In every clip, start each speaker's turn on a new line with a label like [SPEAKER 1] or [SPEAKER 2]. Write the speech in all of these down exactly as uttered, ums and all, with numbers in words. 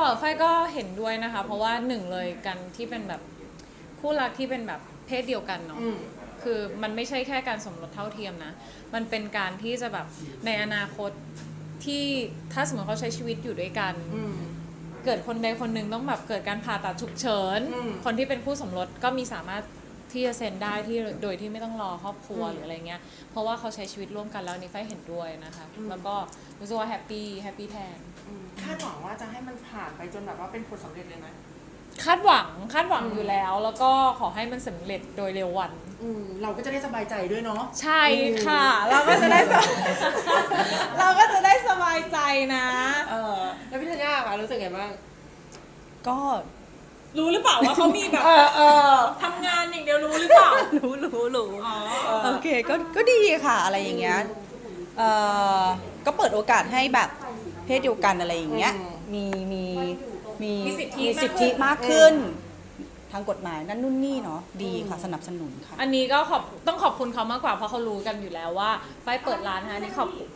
[SPEAKER 1] ไฟก็เห็นด้วยนะคะเพราะว่าหนึ่งเลยกันที่เป็นแบบคู่รักที่เป็นแบบเพศเดียวกันเนาะคือมันไม่ใช่แค่การสมรสเท่าเทียมนะมันเป็นการที่จะแบบในอนาคตที่ถ้าสมมติเขาใช้ชีวิตอยู่ด้วยกันเกิดคนใดคนหนึ่งต้องแบบเกิดการผ่าตัดฉุกเฉินคนที่เป็นคู่สมรสก็มีสามารถที่จะเซ็นได้ที่โดยที่ไม่ต้องรอครอบครัวหรืออะไรเงี้ยเพราะว่าเขาใช้ชีวิตร่วมกันแล้วนี่ไฟเห็นด้วยนะคะแล้วก็รู้สึกว่าแฮปปี้แฮปปี้แทน
[SPEAKER 2] คาดหวังว่าจะให้มันผ่านไปจนแบบว่าเป็นผลสำเร็จเลยไหม
[SPEAKER 1] คาดหวังคาดหวังอยู่แล้วแล้วก็ขอให้มันสำเร็จโดยเร็ววัน
[SPEAKER 2] เราก็จะได้สบายใจด้วยเนาะ
[SPEAKER 1] ใช่ค่ะเราก็จะได้เราก็จะได้สบายใจนะ
[SPEAKER 2] เออแล้วพี่ธัญญาค่ะรู้สึกไงบ้าง
[SPEAKER 3] ก็
[SPEAKER 1] รู้หรือเปล่าว่าเขามีแบบทำงานอย่างเดียวรู้หรือเปล่า
[SPEAKER 3] รู้รู้รู้โอเคก็ก็ดีค่ะอะไรอย่างเงี้ยเออก็เปิดโอกาสให้แบบเพศเดียวกันอะไรอย่างเงี้ยมีมีมีมีสิทธิมากขึ้นทางกฎหมายนั่นนู่นนี่เนาะดีค่ะสนับสนุนค่ะ
[SPEAKER 1] อันนี้ก็ขอบต้องขอบคุณเขามากกว่าเพราะเขารู้กันอยู่แล้วว่าไฟเปิดร้านนะนี่ขอบคุณ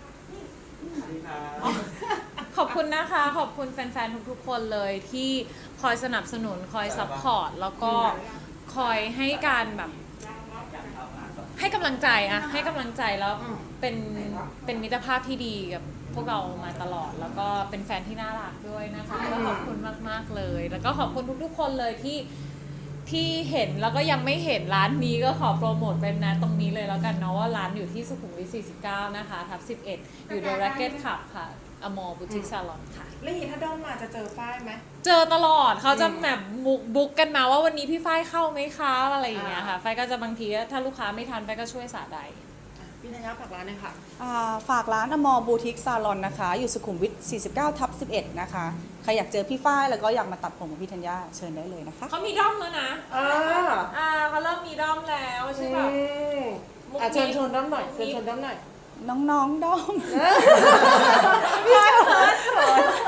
[SPEAKER 1] ขอบคุณนะคะขอบคุณแฟนๆทุกๆคนเลยที่คอยสนับสนุนคอยซัพพอร์ตแล้วก็คอยให้การแบบให้กำลังใจอะให้กำลังใจแล้วเป็นเป็นมิตรภาพที่ดีกับพวกเรามาตลอดแล้วก็เป็นแฟนที่น่ารักด้วยนะคะก็ขอบคุณมากๆเลยแล้วก็ขอบคุณทุกๆคนเลยที่ที่เห็นแล้วก็ยังไม่เห็นร้านนี้ก็ขอโปรโมทเป็นนะตรงนี้เลยแล้วกันเนาะว่าร้านอยู่ที่สุขุมวิทสี่สิบเก้านะคะทับสิบเอ็ดอยู่ The Racket Club ค่ะอมอบูติกซาลอนค่ะ
[SPEAKER 2] แล้วอย่างนี้ถ้าด้อมมาจะเจอฝ้ายไหม
[SPEAKER 1] เจอตลอดเขาจะแบบบุ๊กกันมาว่าวันนี้พี่ฝ้ายเข้าไหมคะอะไรอย่างเงี้ยค่ะฝ้ายก็จะบางทีถ้าลูกค้าไม่ทันฝ้ายก็ช่วยสาใด
[SPEAKER 2] พี่ธัญญาฝากร้านเลยค่ะ
[SPEAKER 3] ฝากร้านอมอบูติกซาลอนนะคะอยู่สุขุมวิทสี่สิบเก้าทับสิบเอ็ดนะคะใครอยากเจอพี่ฝ้ายแล้วก็อยากมาตัดผมกับพี่ธัญญาเชิญได้เลยนะคะ
[SPEAKER 1] เขามีด้อมแล้วนะ
[SPEAKER 2] อ่า
[SPEAKER 1] อ่าเขาเริ่มมีด้อมแล้วใช่ป่ะ
[SPEAKER 2] อ่ะเชิญชวนด้อมหน่อยเชิญชวนด้อมหน่อย
[SPEAKER 3] น้องๆด้อม
[SPEAKER 1] พี่เขิน